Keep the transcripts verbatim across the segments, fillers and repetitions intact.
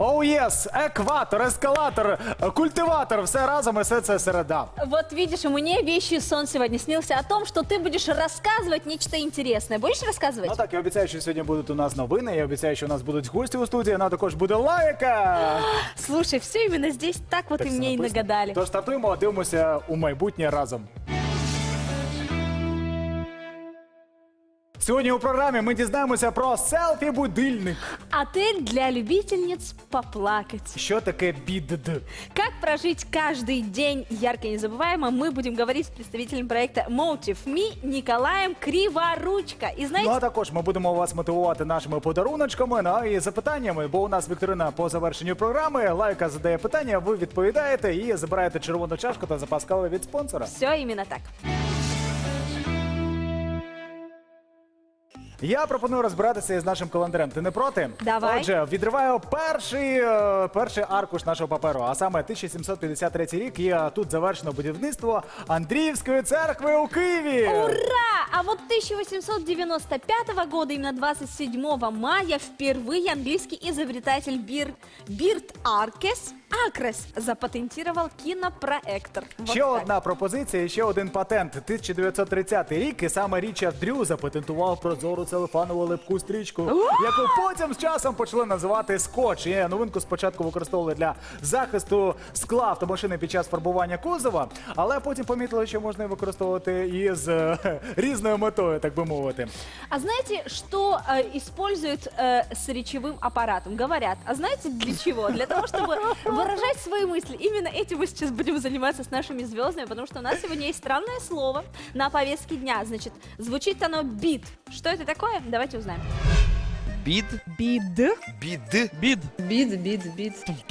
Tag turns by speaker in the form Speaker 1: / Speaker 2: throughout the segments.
Speaker 1: Оу єс, екватор, ескалатор, культиватор, все разом і все це середа.
Speaker 2: Вот видишь, мне вещий сон сегодня снился о том, что ты будешь рассказывать нечто интересное. Будешь рассказывать?
Speaker 1: Ну так, я обіцяю, що сьогодні будуть у нас новини, я обіцяю, що у нас будуть гості у студії, вона також буде лайка.
Speaker 2: Слушай, все именно здесь так вот
Speaker 1: Так
Speaker 2: и
Speaker 1: все
Speaker 2: мне и
Speaker 1: написано.
Speaker 2: нагадали.
Speaker 1: Тож стартуємо, дивимося у майбутнє разом. Сьогодні у програмі ми дізнаємося про селфі-будильник.
Speaker 2: Отель для любительниц поплакать.
Speaker 1: Що таке бід?
Speaker 2: Как прожить каждый день ярко и незабываемо, мы будем говорить с представителем проекта Motive Me Николаем Криворучко. И
Speaker 1: Ну
Speaker 2: знаете,
Speaker 1: а також ми будемо вас мотивувати нашими подаруночками, ну і запитаннями, бо у нас вікторина по завершенню програми. Лайка задає питання, ви відповідаєте і забираєте червону чашку та запас кави від спонсора.
Speaker 2: все именно так.
Speaker 1: Я пропоную розбиратися із нашим календарем. Ти не проти?
Speaker 2: Давай.
Speaker 1: Отже, відриваю перший, е, перший аркуш нашого паперу, а саме тисяча сімсот п'ятдесят третій рік. І е, тут завершено будівництво Андріївської церкви у Києві.
Speaker 2: Ура! А вот тысяча восемьсот девяносто пятого года, именно двадцать седьмого мая, впервые английский изобретатель Бир... Бирт Аркес Акрес запатентировал кинопроектор. Вот
Speaker 1: Ще
Speaker 2: так.
Speaker 1: одна пропозиція, і ще один патент. тисяча дев'ятсот тридцятий рік, і саме Річард Дрю запатентував прозору целофанову липку стрічку, яку потім з часом почали називати скотч. І новинку спочатку використовували для захисту скла автомашини під час фарбування кузова, але потім помітили, що можна її використовувати і з е, різною метою, так би мовити.
Speaker 2: А знаете, что э, используют э, с речевым аппаратом? Говорят. А знаете для чего? Для того, чтобы выражать свои мысли. Именно этим мы сейчас будем заниматься с нашими звездами, потому что у нас сегодня есть странное слово на повестке дня. Значит, звучит оно бит. Что это такое? Давайте узнаем.
Speaker 3: Бід?
Speaker 4: Бид.
Speaker 3: Бід?
Speaker 4: Бид. Бид, бид, бид.
Speaker 3: Бід,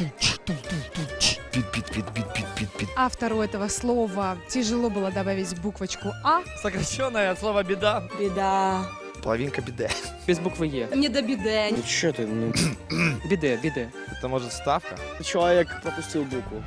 Speaker 3: бід, бід, бід, бід, бід, бід.
Speaker 4: Автору этого слова тяжело было добавить буквочку А.
Speaker 5: Сокращенное от слова беда.
Speaker 4: Беда.
Speaker 3: Половинка біде.
Speaker 5: Без буквы Е.
Speaker 4: Не до беды.
Speaker 5: Ну что ты, ну... Биде, биде.
Speaker 3: Це може ставка?
Speaker 5: Человек пропустил букву.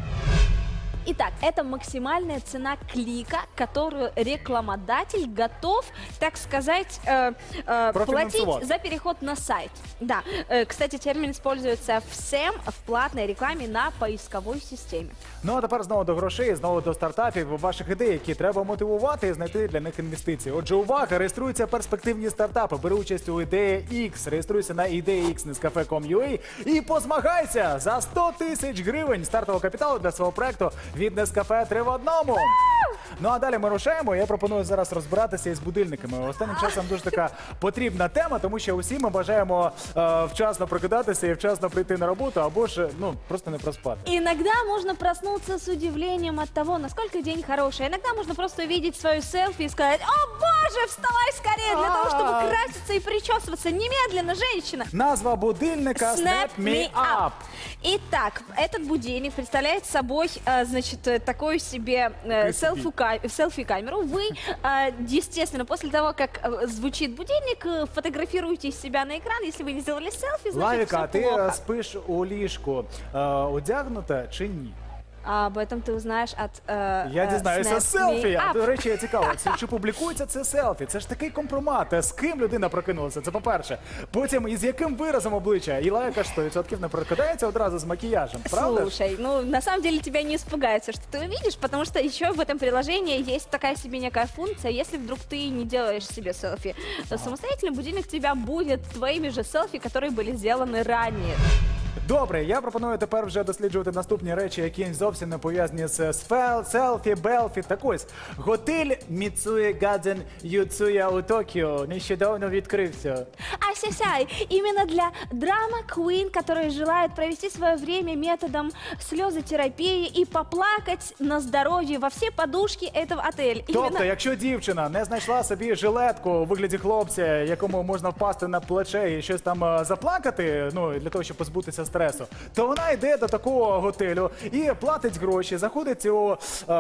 Speaker 2: Итак, это максимальная цена клика, которую рекламодатель готов, так сказать, э, э,
Speaker 1: Профинансовать.
Speaker 2: платить за переход на сайт. Да, э, кстати, термин используется всем в платной рекламе на поисковой системе.
Speaker 1: Ну а тепер знову до грошей, знову до стартапів, ваших ідей, які треба мотивувати і знайти для них інвестиції. Отже, увага, реєструються перспективні стартапи, бери участь у Ідея X, реєструйся на ідея ікс точка нескафе крапка ком крапка ю а і позмагайся за сто тисяч гривень стартового капіталу для свого проекту від Нескафе три в одному. Ну а далі ми рушаємо. Я пропоную зараз розбиратися із будильниками. Останнім часом дуже така потрібна тема, тому що усі ми бажаємо е, вчасно прокидатися і вчасно прийти на роботу, або ж ну просто не проспати.
Speaker 2: Иногда можно проснуться с удивлением от того, насколько день хороший. Иногда можно просто увидеть свою селфи и сказать: «О боже, вставай скорее для того, чтобы краситься и причесываться немедленно, женщина».
Speaker 1: Назва будильника Snap Me Up.
Speaker 2: Итак, этот будильник представляет собой, э, значит, э, такую себе э, селфи-ка- селфи-камеру. Вы, э, естественно, после того, как э, звучит будильник, э, фотографируете себя на экран. Если вы не сделали селфи, значит,
Speaker 1: Лавіка, а
Speaker 2: все
Speaker 1: ти
Speaker 2: плохо.
Speaker 1: е, спиш у ліжку е, одягнута чи ні?
Speaker 2: А об этом ты узнаешь от э,
Speaker 1: Я
Speaker 2: э,
Speaker 1: дізнаюся
Speaker 2: Snap
Speaker 1: з селфі.
Speaker 2: Me
Speaker 1: А,
Speaker 2: Up.
Speaker 1: до речі, я цікаво, це чи публікується це селфі? Це ж такий компромат. З ким людина прокинулася? Це по-перше. Потім із яким виразом обличчя? І лайка ж сто відсотків не прокидається одразу з макіяжем, правда? ж?
Speaker 2: Слушай, ну на самом деле тебя не испугается, что ты увидишь, потому что еще в этом приложении есть такая себе некая функция. Если вдруг ты не делаешь себе селфи то самостоятельно, будильник тебя будет твоими же селфи, которые были сделаны ранее.
Speaker 1: Добре, я пропоную тепер вже досліджувати наступні речі, які зовсім не пов'язані з сфел, селфі, белфі. Так ось, готель Міцує Гадзен Юцуя у Токіо нещодавно відкрився.
Speaker 2: Ай-сяй-сяй, именно для драма Queen, которые желают провести свое время методом слезотерапии и поплакать на здоровье во все подушки этого отеля.
Speaker 1: Тобто,
Speaker 2: Именно...
Speaker 1: якщо дівчина не знайшла собі жилетку у вигляді хлопця, якому можна впасти на плече і щось там е, заплакати, ну для того, щоб позбутися стресу, то вона йде до такого готелю і платить гроші, заходить у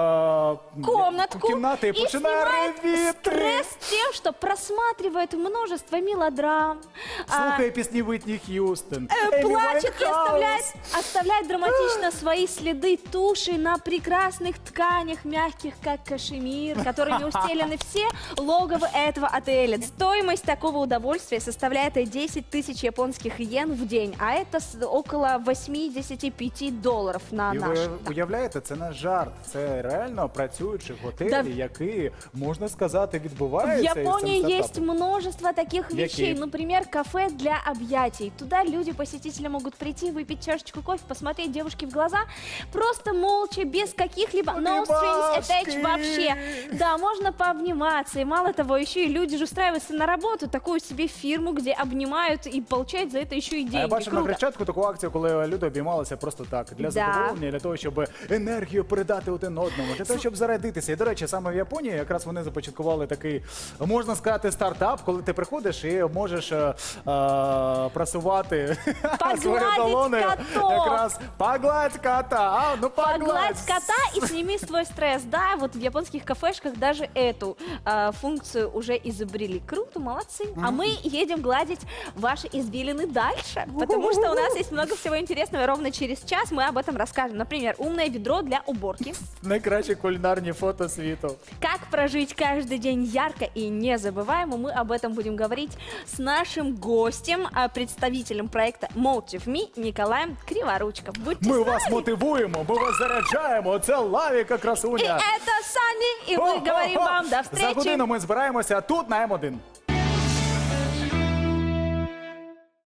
Speaker 1: е,
Speaker 2: комнатку
Speaker 1: кімнати і
Speaker 2: и
Speaker 1: починає
Speaker 2: снимает
Speaker 1: ревіти.
Speaker 2: стресс тем, что просматривает множество мелодрам, а,
Speaker 1: Слухає пісні Вітні Х'юстон,
Speaker 2: э,
Speaker 1: Емі
Speaker 2: плачет и
Speaker 1: Вайнхаус.
Speaker 2: оставляет, оставляет драматично свои следы туши на прекрасных тканях, мягких как кашемир, которыми устелены все логовы этого отеля. Стоимость такого удовольствия составляет десять тысяч японских йен в день, а это с- около восемьдесят пять долларов на
Speaker 1: І
Speaker 2: наш.
Speaker 1: ви уявляєте, це не жарт, це реально працюючі готелі,
Speaker 2: Да.
Speaker 1: які, можна сказати,
Speaker 2: В
Speaker 1: відбуваються. із цим
Speaker 2: Японии есть
Speaker 1: стартапом.
Speaker 2: множество таких
Speaker 1: Какие?
Speaker 2: вещей. Например, кафе для объятий. Туда люди, посетители могут прийти, выпить чашечку кофе, посмотреть девушке в глаза, просто молча, без каких-либо no strings attached
Speaker 1: Обнимашки.
Speaker 2: вообще. Да, можно пообниматься. И мало того, еще и люди же устраиваются на работу, такую себе фирму, где обнимают и получают за это еще и
Speaker 1: А я
Speaker 2: деньги.
Speaker 1: бачив на
Speaker 2: Круто.
Speaker 1: Хрещатику таку акцію, коли люди обіймалися просто так, для
Speaker 2: Да.
Speaker 1: задоволення, для того, щоб енергію передати один одному, для того, щоб зарядитися. І, до речі, саме в Японії якраз вони започаткували такий, можна сказати, стартап, коли ти приходиш і можеш е, е, прасувати свої
Speaker 2: Погладить
Speaker 1: долони.
Speaker 2: котов.
Speaker 1: Якраз погладь кота, а, ну погладь.
Speaker 2: Погладь кота и сними свой стресс. Да, вот в японских кафешках даже эту э, функцию уже изобрели. Круто, молодцы. А мы едем гладить ваши извилины дальше, потому что у нас есть много всего интересного. И ровно через час мы об этом расскажем. Например, умное ведро для уборки.
Speaker 1: Найкращі кулінарні фото світу.
Speaker 2: Как прожить каждый день ярко и незабываемо. Мы об этом будем говорить с нашим гостем, а, представителем проекта Motive Me Николаем Криворучко. Будьте
Speaker 1: Ми
Speaker 2: с
Speaker 1: вас
Speaker 2: нами.
Speaker 1: мотивуємо, ми вас заряджаємо. Це Лавіка
Speaker 2: И
Speaker 1: красуня.
Speaker 2: это Санни, и мы говорим вам до
Speaker 1: За
Speaker 2: встречи.
Speaker 1: годину ми збираємося тут на М один.